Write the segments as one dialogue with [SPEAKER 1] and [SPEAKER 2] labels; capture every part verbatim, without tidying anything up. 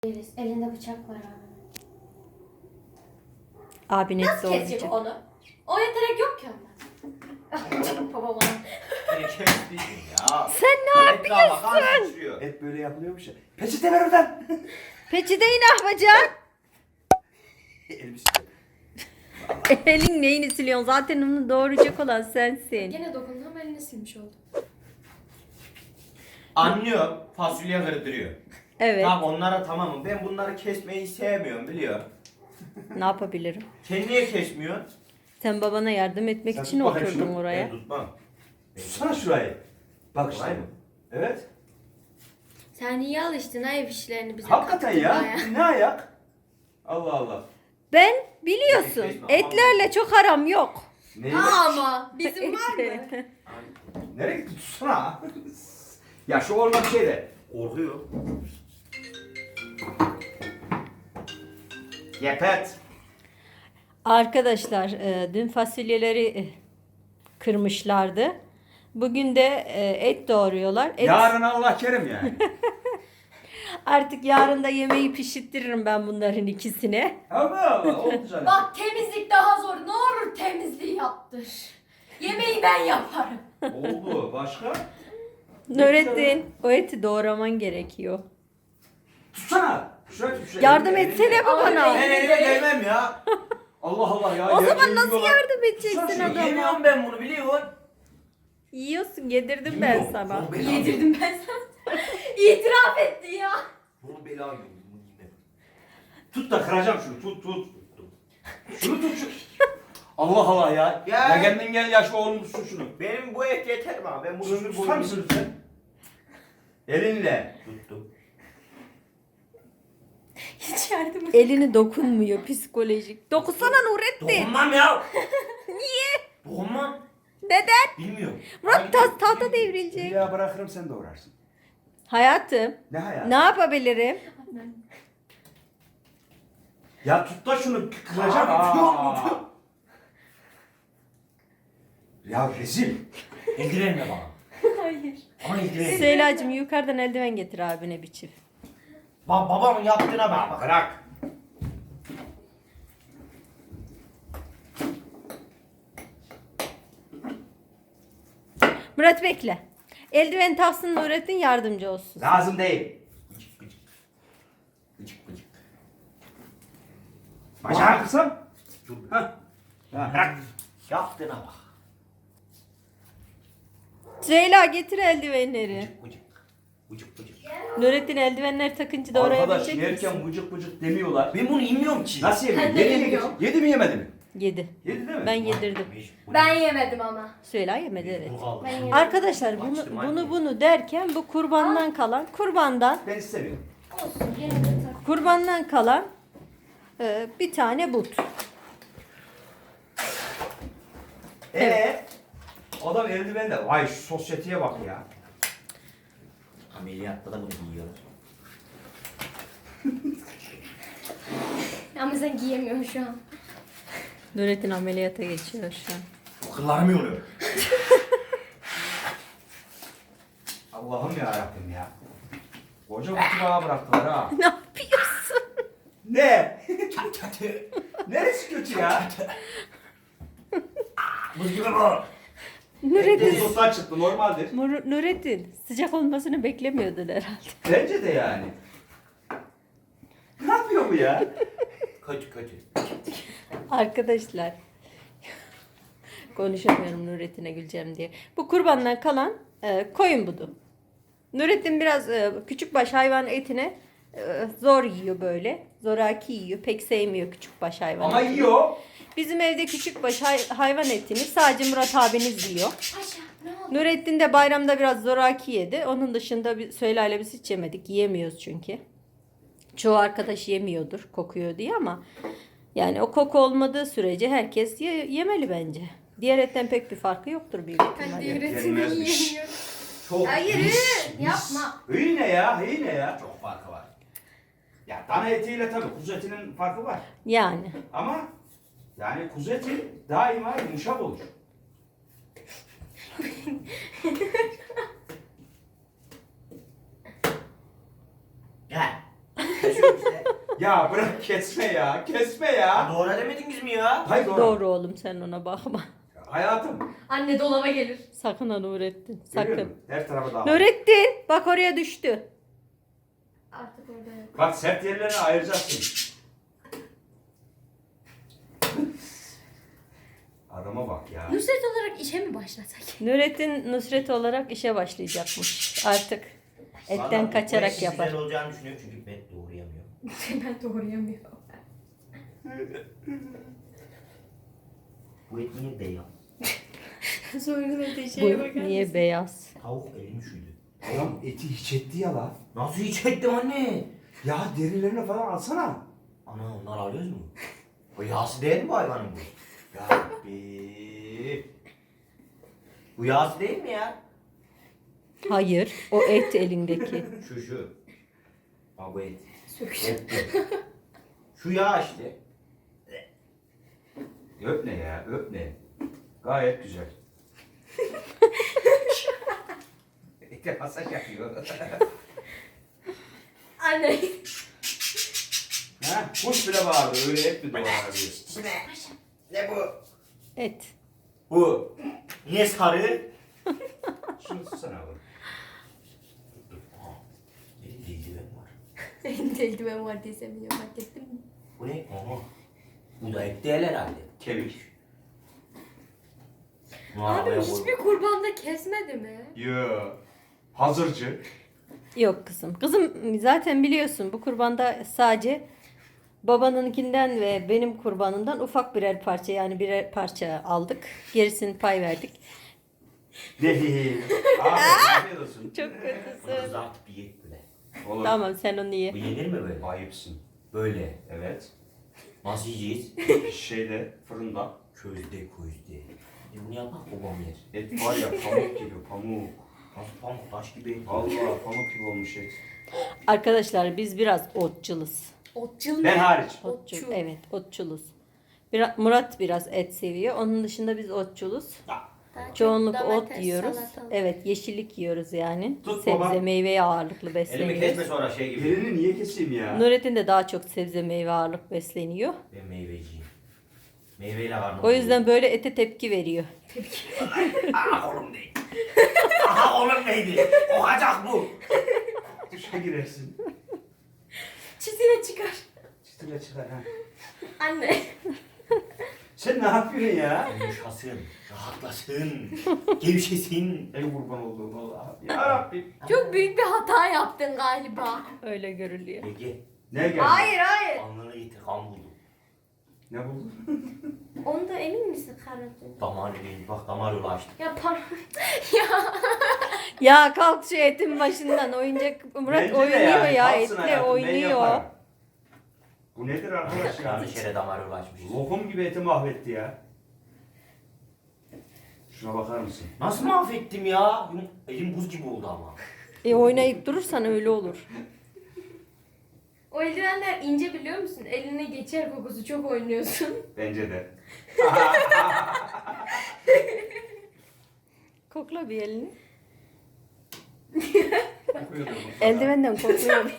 [SPEAKER 1] Deriz. Elinde bıçak var abi.
[SPEAKER 2] Abin et
[SPEAKER 1] Nasıl
[SPEAKER 2] doğrayacak.
[SPEAKER 1] kesecek onu? O yetenek yok ki onda. Babam ona.
[SPEAKER 3] ya.
[SPEAKER 2] Sen ne yapıyorsun?
[SPEAKER 3] Hep böyle yapılıyormuş ya. Peçete ver oradan.
[SPEAKER 2] Peçeteyi ne yapacaksın?
[SPEAKER 3] Elbise.
[SPEAKER 2] Elin neyini siliyorsun? Zaten onu doğuracak olan sensin.
[SPEAKER 1] Gene dokundu ama elini silmiş oldu.
[SPEAKER 3] Anlıyor. Fasulye kırdırıyor.
[SPEAKER 2] Evet.
[SPEAKER 3] Tamam onlara tamamım. Ben bunları kesmeyi sevmiyorum biliyor.
[SPEAKER 2] Ne yapabilirim?
[SPEAKER 3] Sen niye kesmiyorsun?
[SPEAKER 2] Sen babana yardım etmek
[SPEAKER 3] Sen
[SPEAKER 2] için
[SPEAKER 3] tut bakayım
[SPEAKER 2] oturdun
[SPEAKER 3] şunu.
[SPEAKER 2] oraya.
[SPEAKER 3] Ben tutmam.
[SPEAKER 4] Tutsana şurayı. Bak işte.
[SPEAKER 3] Kolay mı?
[SPEAKER 4] Evet.
[SPEAKER 1] Sen iyi alıştın ha ev işlerini bize
[SPEAKER 4] Hakikaten ya.
[SPEAKER 1] kattırmaya.
[SPEAKER 4] Ne ayak? Allah Allah.
[SPEAKER 2] Ben biliyorsun
[SPEAKER 3] Kesme, aman.
[SPEAKER 2] etlerle çok aram yok.
[SPEAKER 4] Neyi?
[SPEAKER 1] Ama bizim var mı?
[SPEAKER 4] Nereye gitti? Tutsana. Ya şu olma bir şey de.
[SPEAKER 3] Korkuyor. Yepet.
[SPEAKER 2] Arkadaşlar e, dün fasulyeleri e, kırmışlardı. Bugün de e, et doğruyorlar. Et,
[SPEAKER 4] Yarın Allah kerim yani.
[SPEAKER 2] Artık yarın da yemeği pişirtirim ben bunların ikisine.
[SPEAKER 4] Allah Allah. Oldu canım.
[SPEAKER 1] Bak temizlik daha zor. Ne olur temizliği yaptır. Yemeği ben yaparım.
[SPEAKER 4] Oldu. Başka?
[SPEAKER 2] Nurettin o eti doğraman gerekiyor.
[SPEAKER 4] Tutsana. Şuraya tut. Şuraya.
[SPEAKER 2] Yardım
[SPEAKER 4] Elini-
[SPEAKER 2] etsene
[SPEAKER 4] elini-
[SPEAKER 2] babana.
[SPEAKER 3] Ben elime değmem ya.
[SPEAKER 4] Allah Allah ya.
[SPEAKER 2] O
[SPEAKER 4] yer-
[SPEAKER 2] zaman
[SPEAKER 4] yer
[SPEAKER 2] nasıl
[SPEAKER 4] yiyorlar.
[SPEAKER 2] yardım edeceksin
[SPEAKER 4] Tutsana şunu,
[SPEAKER 2] adama?
[SPEAKER 3] Yemiyorum ben bunu biliyorsun.
[SPEAKER 2] Yiyorsun yedirdim ben
[SPEAKER 3] Yemiyorum.
[SPEAKER 2] sana.
[SPEAKER 3] Bunu bela
[SPEAKER 1] Yedirdim ben sana. İtiraf etti ya.
[SPEAKER 3] Bunu bela yiyorum. Bunu yemem.
[SPEAKER 4] Tut da kıracağım şunu. Tut tut. Şunu tut şu. Allah Allah ya.
[SPEAKER 3] Ya.
[SPEAKER 4] Ya kendin gel ya şu oğlum tutsun şunu.
[SPEAKER 3] Benim bu et yeter mi abi? Ben bunu
[SPEAKER 4] Şunu tutar mısın lütfen? Elinle.
[SPEAKER 3] Tuttum.
[SPEAKER 1] Hiç yardım et.
[SPEAKER 2] Elini dokunmuyor psikolojik. Dokunsana Nurettin.
[SPEAKER 3] Dokunmam ya.
[SPEAKER 2] Niye?
[SPEAKER 3] Dokunmam.
[SPEAKER 2] Neden?
[SPEAKER 3] Bilmiyorum.
[SPEAKER 2] Murat ta tahta devrilecek.
[SPEAKER 4] Ya bırakırım sen de uğrarsın.
[SPEAKER 2] Hayatım
[SPEAKER 4] Ne hayat?
[SPEAKER 2] ne yapabilirim?
[SPEAKER 4] Ya tut da şunu kıracağım.
[SPEAKER 3] Abi, tutuyorum,
[SPEAKER 4] Aa.
[SPEAKER 3] tutuyorum.
[SPEAKER 4] Ya rezil.
[SPEAKER 3] İlgilenme bana.
[SPEAKER 1] Hayır.
[SPEAKER 3] Ama ilgilenme.
[SPEAKER 2] Süheyla'cığım yukarıdan eldiven getir abine bir çift.
[SPEAKER 3] Ba babamın yaptığına bak. Bak.
[SPEAKER 4] Bırak.
[SPEAKER 2] Murat bekle. Eldiven taksın Nurettin yardımcı olsun.
[SPEAKER 4] Lazım değil.
[SPEAKER 3] Gıcık gıcık. Gıcık gıcık.
[SPEAKER 4] Bacağı kırsam.
[SPEAKER 3] Dur.
[SPEAKER 4] Hah. Ha.
[SPEAKER 3] Bırak. Yaptığına bak.
[SPEAKER 2] Süheyla getir eldivenleri.
[SPEAKER 3] Gıcık gıcık. Gıcık gıcık.
[SPEAKER 2] Nurettin eldivenler takınca
[SPEAKER 4] Arkadaş
[SPEAKER 2] doğrayabilecek misin?
[SPEAKER 4] yerken vıcık vıcık demiyorlar.
[SPEAKER 3] Ben bunu inmiyorum ki.
[SPEAKER 4] Nasıl yemiyor?
[SPEAKER 1] Ben de
[SPEAKER 4] Yedi, mi
[SPEAKER 1] yemiyorum.
[SPEAKER 4] yedi, yedi mi yemedi mi?
[SPEAKER 2] Yedi.
[SPEAKER 4] Yedi değil mi?
[SPEAKER 2] Ben yedirdim.
[SPEAKER 3] Mecbur.
[SPEAKER 1] Ben yemedim ama.
[SPEAKER 2] Süheyla yemedi evet.
[SPEAKER 3] Bu kaldı.
[SPEAKER 1] Ben yemedim.
[SPEAKER 2] Arkadaşlar bunu
[SPEAKER 3] Açtım anne.
[SPEAKER 2] bunu bunu derken bu kurbandan kalan kurbandan
[SPEAKER 4] Ben istemiyorum.
[SPEAKER 1] Olsun gene de tak.
[SPEAKER 2] kurbandan kalan e, bir tane but.
[SPEAKER 4] Ee, adam eldiven de. Vay şu sosyeteye bak ya.
[SPEAKER 3] Ameliyatta da bunu giyiyorlar.
[SPEAKER 1] Ama sen giyemiyorsun şu an.
[SPEAKER 2] Nurettin ameliyata geçiyor şu an.
[SPEAKER 3] Bu kıllarım yoruyor.
[SPEAKER 4] Allah'ım ya Rabbim ya. Koca kutu bana bıraktılar ha.
[SPEAKER 2] Ne yapıyorsun?
[SPEAKER 4] Ne?
[SPEAKER 3] Çat çat.
[SPEAKER 4] Neresi kötü ya?
[SPEAKER 3] Buz gibi bu.
[SPEAKER 2] Nurettin,
[SPEAKER 4] Buzluktan çıktı normaldir.
[SPEAKER 2] Mur- Nurettin sıcak olmasını beklemiyordun herhalde.
[SPEAKER 4] Bence de yani. Ne yapıyor bu ya?
[SPEAKER 3] Kötü kötü.
[SPEAKER 2] Arkadaşlar konuşamıyorum Nurettin'e güleceğim diye. Bu kurbandan kalan e, koyun budu. Nurettin biraz e, küçükbaş hayvan etine e, zor yiyor böyle. Zoraki yiyor. Pek sevmiyor küçükbaş hayvan
[SPEAKER 4] Ama
[SPEAKER 2] etini.
[SPEAKER 4] yiyor.
[SPEAKER 2] Bizim evde küçükbaş hay- hayvan etini sadece Murat abiniz yiyor.
[SPEAKER 1] Paşa ne oldu?
[SPEAKER 2] Nurettin de bayramda biraz zoraki yedi. Onun dışında bir Süheyla'yla biz hiç yemedik. Yiyemiyoruz çünkü. Çoğu arkadaş yemiyordur kokuyor diye ama yani o koku olmadığı sürece herkes ye- yemeli bence. Diğer etten pek bir farkı yoktur büyük
[SPEAKER 1] Ben
[SPEAKER 2] ihtimalle.
[SPEAKER 1] diğer etini
[SPEAKER 4] Yenmezmiş.
[SPEAKER 1] yiyemiyorum.
[SPEAKER 4] Çok
[SPEAKER 1] Hayır
[SPEAKER 4] mis, mis.
[SPEAKER 1] yapma.
[SPEAKER 4] İyi ne ya? İyi ne ya? Çok farkı var. Ya dana etiyle tabii kuzu etinin farkı var.
[SPEAKER 2] Yani.
[SPEAKER 4] Ama yani kuzu eti daima yumuşak olur.
[SPEAKER 3] Gel.
[SPEAKER 4] Ya bırak kesme ya. Kesme ya.
[SPEAKER 3] Doğru demediniz mi ya?
[SPEAKER 4] Hayır doğru.
[SPEAKER 2] Doğru oğlum, sen ona bakma.
[SPEAKER 4] Hayatım.
[SPEAKER 1] Anne dolaba gelir.
[SPEAKER 2] Sakın ha Nurettin.
[SPEAKER 4] Görüyor
[SPEAKER 2] Sakın.
[SPEAKER 4] musun? Her tarafa dağıl.
[SPEAKER 2] Nurettin bak oraya düştü.
[SPEAKER 1] Artık orada yok.
[SPEAKER 4] Bak sert yerlerini ayıracaksın. Adama bak ya.
[SPEAKER 1] Nusret olarak işe mi başlasak?
[SPEAKER 2] Nurettin Nusret olarak işe başlayacakmış. Artık etten
[SPEAKER 3] Vallahi bu
[SPEAKER 2] kaçarak
[SPEAKER 3] eş
[SPEAKER 2] yapar.
[SPEAKER 3] güzel olacağını düşünüyorum çünkü ben doğrayamıyorum.
[SPEAKER 1] Ben doğrayamıyorum.
[SPEAKER 3] Bu et niye beyaz?
[SPEAKER 1] Sonra
[SPEAKER 2] Bu
[SPEAKER 1] şeye bakar
[SPEAKER 2] niye
[SPEAKER 1] mısın?
[SPEAKER 2] beyaz?
[SPEAKER 3] Tavuk elim üşüdü.
[SPEAKER 4] Adam eti hiç etti ya lan.
[SPEAKER 3] Nasıl hiç ettim anne?
[SPEAKER 4] Ya derilerini falan alsana.
[SPEAKER 3] Ana onlar alıyoruz mu? O yağsı değil mi bu hayvanın bu? Ya Rabbi. Bu yağsı değil mi ya?
[SPEAKER 2] Hayır, o et elindeki.
[SPEAKER 3] Şu şu. Ha bu et.
[SPEAKER 1] Sök.
[SPEAKER 3] Et bu. Şu yağ işte.
[SPEAKER 4] Öp ne ya? Öp ne? Gayet güzel. Ete masaj yapıyor.
[SPEAKER 1] Anne.
[SPEAKER 4] Ha? Kuş bile bağırdı. Öyle et mi doğrar diyor.
[SPEAKER 3] Ne bu?
[SPEAKER 2] Et.
[SPEAKER 3] Bu. Niye sarı?
[SPEAKER 4] Şunu tutsana oğlum.
[SPEAKER 3] Aa, elimde eldiven var.
[SPEAKER 1] Elimde eldiven var diye sen biliyorum, fark ettin mi?
[SPEAKER 3] Bu ne? Aha. Bu da et değil herhalde.
[SPEAKER 4] Kemik.
[SPEAKER 3] Bunu
[SPEAKER 1] Abi
[SPEAKER 3] arabaya koy.
[SPEAKER 1] hiçbir kurbanda kesmedi mi?
[SPEAKER 4] Yo. Hazırcı.
[SPEAKER 2] Yok kızım. Kızım zaten biliyorsun bu kurbanda sadece babanınkinden ve benim kurbanımdan ufak birer parça, yani birer parça aldık. Gerisini pay verdik.
[SPEAKER 4] Değil. Aferin. Afiyet olsun.
[SPEAKER 2] Çok
[SPEAKER 3] Bunu
[SPEAKER 2] kötüsün.
[SPEAKER 3] kızartıp yiyek böyle.
[SPEAKER 4] Olur.
[SPEAKER 2] Tamam sen onu
[SPEAKER 3] Bu
[SPEAKER 2] ye.
[SPEAKER 3] yenir mi böyle?
[SPEAKER 4] Ayıpsın.
[SPEAKER 3] Böyle.
[SPEAKER 4] Evet.
[SPEAKER 3] Nasıl yiyeceğiz?
[SPEAKER 4] Şeyde, fırında.
[SPEAKER 3] Közde közde. E bunu yapmak babam yer.
[SPEAKER 4] Et var ya pamuk gibi pamuk.
[SPEAKER 3] Nasıl pamuk taş gibi et.
[SPEAKER 4] Vallahi pamuk gibi olmuş et.
[SPEAKER 2] Arkadaşlar biz biraz otçuluz.
[SPEAKER 1] Otçul
[SPEAKER 4] Ben hariç.
[SPEAKER 2] Otçul.
[SPEAKER 1] Otçul.
[SPEAKER 2] Evet, otçuluz. Biraz, Murat biraz et seviyor. Onun dışında biz otçuluz.
[SPEAKER 1] Daha çok
[SPEAKER 2] Çoğunlukla ot
[SPEAKER 1] domates,
[SPEAKER 2] yiyoruz.
[SPEAKER 1] salatalık.
[SPEAKER 2] Evet, yeşillik yiyoruz yani.
[SPEAKER 4] Tut
[SPEAKER 2] Sebze,
[SPEAKER 4] baba.
[SPEAKER 2] meyveye ağırlıklı
[SPEAKER 3] Elimi kesme
[SPEAKER 2] besleniyoruz.
[SPEAKER 3] sonra şey gibi.
[SPEAKER 4] Elini niye keseyim ya?
[SPEAKER 2] Nurettin de daha çok sebze, meyve ağırlık besleniyor.
[SPEAKER 3] Ben meyveciyim. Meyveyle karnım.
[SPEAKER 2] O yüzden böyle ete tepki veriyor.
[SPEAKER 3] Aha oğlum değil. Aha oğlum neydi? Okacak bu.
[SPEAKER 4] Duşa girersin.
[SPEAKER 1] Çizine çıkar.
[SPEAKER 4] Çıtıra çıkar ha.
[SPEAKER 1] Anne.
[SPEAKER 4] Sen ne yapıyorsun ya?
[SPEAKER 3] Yumuşasın, rahatlasın, gevşesin.
[SPEAKER 4] Ey kurban olduğum Allah'ım. Ya Rabbim.
[SPEAKER 1] Çok büyük bir hata yaptın galiba.
[SPEAKER 2] Öyle görülüyor.
[SPEAKER 3] Ege,
[SPEAKER 4] Ne geldi?
[SPEAKER 1] Hayır hayır.
[SPEAKER 3] alnını getir kan buldum.
[SPEAKER 4] Ne buldun?
[SPEAKER 1] Onda emin misin kardeşim?
[SPEAKER 3] Damar değil, bak damar yolu açtım.
[SPEAKER 1] Ya pardon. ya.
[SPEAKER 2] Ya kalk şu etin başından. Oyuncak Murat
[SPEAKER 4] Bence de
[SPEAKER 2] oynuyor
[SPEAKER 4] yani,
[SPEAKER 2] ya,
[SPEAKER 4] kalsın
[SPEAKER 2] etle
[SPEAKER 4] hayatım, ben
[SPEAKER 2] oynuyor.
[SPEAKER 4] yaparım. Bu nedir arkadaş ya?
[SPEAKER 3] Yanlış yere damar yolu açmışız.
[SPEAKER 4] Lokum gibi eti mahvetti ya. Şuna bakar mısın?
[SPEAKER 3] Nasıl mahvettim ya? Yum- Elim buz gibi oldu ama.
[SPEAKER 2] E oynayıp durursan öyle olur.
[SPEAKER 1] O eldivenler ince biliyor musun? Eline geçer kokusu, çok oynuyorsun.
[SPEAKER 4] Bence de.
[SPEAKER 2] Kokla bir elini.
[SPEAKER 4] Kokuyordur mutlaka.
[SPEAKER 2] Eldivenden kokluyor.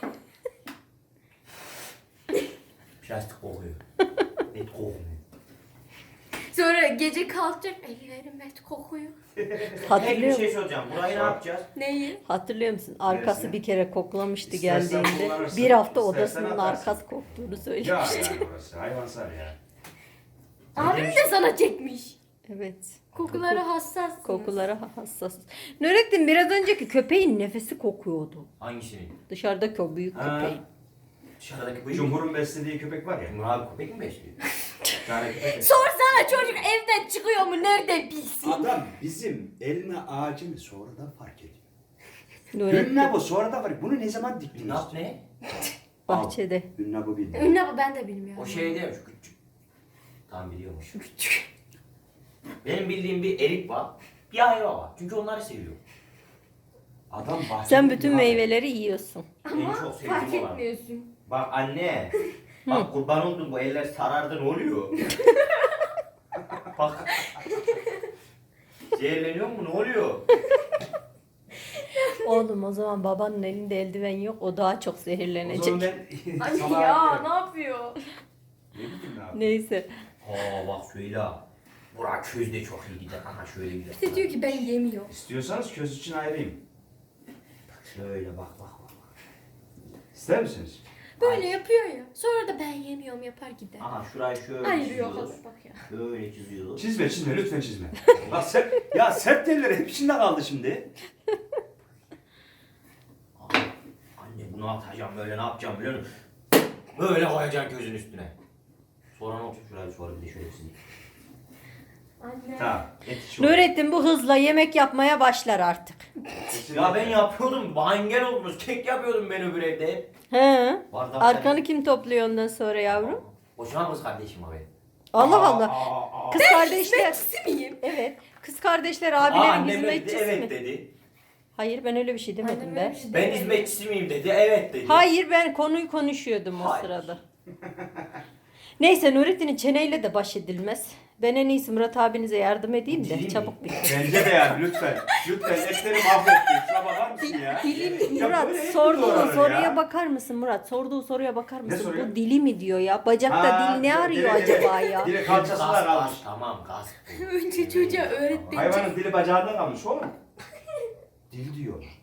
[SPEAKER 3] Plastik kokuyor. Et kokmuyor.
[SPEAKER 1] Sonra gece kalkacak, ellerim et kokuyor.
[SPEAKER 3] Peki bir
[SPEAKER 2] Hatırlıyor,
[SPEAKER 3] şey soracağım. Burayı ne yapacağız?
[SPEAKER 1] Neyi?
[SPEAKER 2] hatırlıyor musun? Arkası
[SPEAKER 4] Neresi?
[SPEAKER 2] bir kere koklamıştı
[SPEAKER 4] İstersen
[SPEAKER 2] geldiğinde.
[SPEAKER 4] kullanırsın,
[SPEAKER 2] Bir hafta
[SPEAKER 4] istersen
[SPEAKER 2] odasının
[SPEAKER 3] şey.
[SPEAKER 4] atarsın.
[SPEAKER 2] arkası koktuğunu
[SPEAKER 4] Ya
[SPEAKER 2] söylemişti.
[SPEAKER 4] yani burası hayvansal ya.
[SPEAKER 1] Abim de sana çekmiş.
[SPEAKER 2] Evet.
[SPEAKER 1] Kokulara hassas.
[SPEAKER 2] Kokulara hassas. Nurettin biraz önceki köpeğin nefesi kokuyordu.
[SPEAKER 3] Hangisini?
[SPEAKER 2] Dışarıdaki o büyük
[SPEAKER 4] Ha.
[SPEAKER 2] köpeğin.
[SPEAKER 3] Dışarıdaki bu
[SPEAKER 4] Cumhur'un beslediği köpek var ya.
[SPEAKER 3] Cumhur abi köpek mi besliyor?
[SPEAKER 4] Bir tane köpek.
[SPEAKER 1] Sorsana çocuk evden çıkıyor mu, nereden bilsin?
[SPEAKER 5] Adam bizim elma ağacını sonradan fark ediyor.
[SPEAKER 2] Nurettin
[SPEAKER 5] Ünlü bu sonradan fark Bunu ne zaman diktiniz?
[SPEAKER 3] Nat ne?
[SPEAKER 2] bahçede.
[SPEAKER 5] Ünlü bu bildi.
[SPEAKER 1] Ünlü bu, ben de bilmiyorum.
[SPEAKER 3] O şey değil mi? Şu küçük. Tamam biliyormuş. Şu küçük. Benim bildiğim bir erik var. Bir ayva var. Çünkü onları seviyorum.
[SPEAKER 5] Adam bahçede.
[SPEAKER 2] Sen bütün meyveleri yiyorsun.
[SPEAKER 3] En
[SPEAKER 1] Ama
[SPEAKER 3] çok
[SPEAKER 1] fark
[SPEAKER 3] sevdiğim olan.
[SPEAKER 1] etmiyorsun.
[SPEAKER 3] Bak anne. Bak kurban oldum bu eller sarardı ne oluyor? Bak. Zehirleniyor mu ne oluyor?
[SPEAKER 2] Oğlum o zaman babanın elinde eldiven yok. O daha çok
[SPEAKER 5] O
[SPEAKER 2] zehirlenecek.
[SPEAKER 5] zaman ben
[SPEAKER 1] Anne
[SPEAKER 5] salağa
[SPEAKER 1] ya
[SPEAKER 5] gidiyorum.
[SPEAKER 1] ne yapıyor?
[SPEAKER 5] Ne bileyim ne abi.
[SPEAKER 2] Neyse.
[SPEAKER 3] Aa bak söyle. Burak köz de çok iyi gider. Aha şöyle gider.
[SPEAKER 1] İşte diyor ki ben yemiyorum.
[SPEAKER 5] İstiyorsanız köz için ayırayım.
[SPEAKER 3] Şöyle bak bak bak.
[SPEAKER 5] İster misiniz?
[SPEAKER 1] Böyle yapıyor ya. Sonra da ben yemiyorum yapar gider.
[SPEAKER 3] Aha şurayı şöyle
[SPEAKER 1] Ayırıyor
[SPEAKER 3] çiziyoruz.
[SPEAKER 1] hazır bak ya.
[SPEAKER 3] Şöyle çiziyoruz.
[SPEAKER 5] Çizme çizme lütfen çizme. ya, sert, ya sert telleri hep içinde kaldı şimdi.
[SPEAKER 3] Aa, anne bunu atacağım böyle ne yapacağım biliyor musun? Böyle koyacaksın közün üstüne. Sonra ne olacak şurayı sonra bir de şöyle çizeyim.
[SPEAKER 1] Anne.
[SPEAKER 5] Tamam. Et şu.
[SPEAKER 2] Nurettin bu hızla yemek yapmaya başlar artık.
[SPEAKER 3] Ya ben yapıyordum. Bana engel oldunuz. Kek yapıyordum ben öbür evde.
[SPEAKER 2] He.
[SPEAKER 3] Bardaklar-
[SPEAKER 2] Arkanı kim topluyor ondan sonra yavrum?
[SPEAKER 3] Boşuna kız kardeşim abi.
[SPEAKER 2] Allah
[SPEAKER 5] Aa,
[SPEAKER 2] Allah.
[SPEAKER 5] aa, aa.
[SPEAKER 2] Kız kardeşler.
[SPEAKER 1] Hizmetçisi miyim?
[SPEAKER 2] Evet. Kız kardeşler
[SPEAKER 3] Aa,
[SPEAKER 2] abilerin
[SPEAKER 3] annem dedi,
[SPEAKER 2] hizmetçisi
[SPEAKER 3] evet
[SPEAKER 2] mi?
[SPEAKER 3] dedi.
[SPEAKER 2] Hayır ben öyle bir şey demedim
[SPEAKER 1] Annem
[SPEAKER 2] be.
[SPEAKER 1] öyle bir şey
[SPEAKER 3] Ben
[SPEAKER 1] demedi.
[SPEAKER 3] hizmetçisi miyim dedi. Evet dedi.
[SPEAKER 2] Hayır ben konuyu konuşuyordum o
[SPEAKER 3] Hayır.
[SPEAKER 2] sırada. Neyse Nurettin'in çeneyle de baş edilmez. Ben en iyisi Murat abinize yardım edeyim de
[SPEAKER 3] Değil mi?
[SPEAKER 2] çabuk bitir.
[SPEAKER 5] Bence de yani lütfen. Lütfen etleri mahvettin. Şuna bakar mısın ya?
[SPEAKER 2] Dilim
[SPEAKER 5] Ya
[SPEAKER 2] Murat
[SPEAKER 5] böyle et mi
[SPEAKER 2] sorduğu
[SPEAKER 5] doğranır
[SPEAKER 2] soruya
[SPEAKER 5] ya?
[SPEAKER 2] bakar mısın Murat? Sorduğu soruya bakar mısın?
[SPEAKER 5] soruyor?
[SPEAKER 2] Bu dili mi diyor ya? Bacakta
[SPEAKER 5] Ha,
[SPEAKER 2] dil ne
[SPEAKER 5] dire-
[SPEAKER 2] arıyor
[SPEAKER 5] dire-
[SPEAKER 2] acaba ya?
[SPEAKER 5] Dire kalçası da
[SPEAKER 3] Gaz,
[SPEAKER 5] kalmış.
[SPEAKER 3] gaz, Tamam gaz.
[SPEAKER 1] Önce çocuğa öğret beni.
[SPEAKER 5] Hayvanın dili bacağında kalmış oğlum. Dil diyor.